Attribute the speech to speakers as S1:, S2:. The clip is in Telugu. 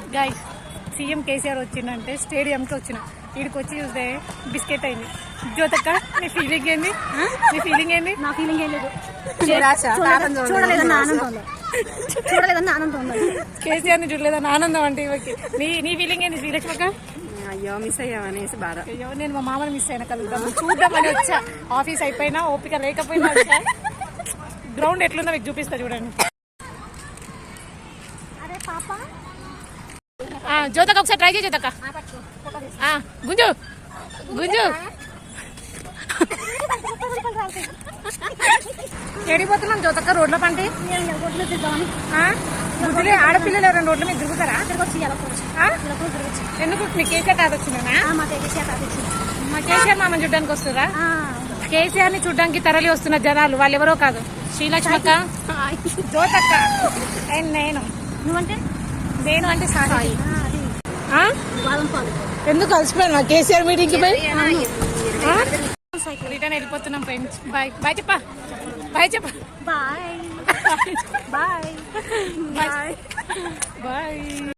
S1: గాయ్స్ సీఎం కేసీఆర్ వచ్చిందంటే స్టేడియంకి వచ్చిన వీడికి వచ్చి చూస్తే బిస్కెట్ అయింది. జ్యోతక్క నీ ఫీలింగ్ ఏంది? నీ ఫీలింగ్ ఏంది?
S2: నా ఫీలింగ్ ఏం లేదు. చూడలేదన్న ఆనందం
S1: కేసీఆర్ ని చూడలేదన్న ఆనందం అంటే ఇవ్వకి. నీ ఫీలింగ్ ఏంది శ్రీలక్ష్మక్క?
S3: అయ్యో మిస్ అయ్యామనేసి బాధ.
S1: అయ్యో నేను మా మామని మిస్ అయినా కలుద్దాం చూద్దామని వచ్చా. ఆఫీస్ అయిపోయినా ఓపిక లేకపోయినా వచ్చా. గ్రౌండ్ ఎట్లుందో మీకు చూపిస్తా చూడండి.
S2: అరే పాప
S1: జ్యోతక్క ఒకసారి ట్రై చేయి జ్యోతక్క. గుంజు గుంజు ఏడిపోతున్నాం జ్యోతక్క రోడ్ల పంటి ఆడపిల్లలు ఎవరైనా రోడ్ల మీద తిరుగుతారా? ఎందుకు మీ కేసీఆర్ తాత వచ్చిందా? మా కేసీఆర్ మామని చూడ్డానికి వస్తురా? కేసీఆర్ ని చూడ్డానికి తరలి వస్తున్న జనాలు వాళ్ళు ఎవరో కాదు. శ్రీలక్ష్మక్క, జ్యోతక్క అండ్ నేను.
S2: నువ్వంటే
S1: నేను అంటే సాయి. ఎందుకు కలిసిపోయాను కేసీఆర్ మీటింగ్ కి పోయి రిటర్న్ వెళ్ళిపోతున్నాం ఫ్రెండ్స్. బాయ్ బాయ్ చెప్పా. బాయ్ చెప్పా.
S2: Bye bye bye
S1: bye.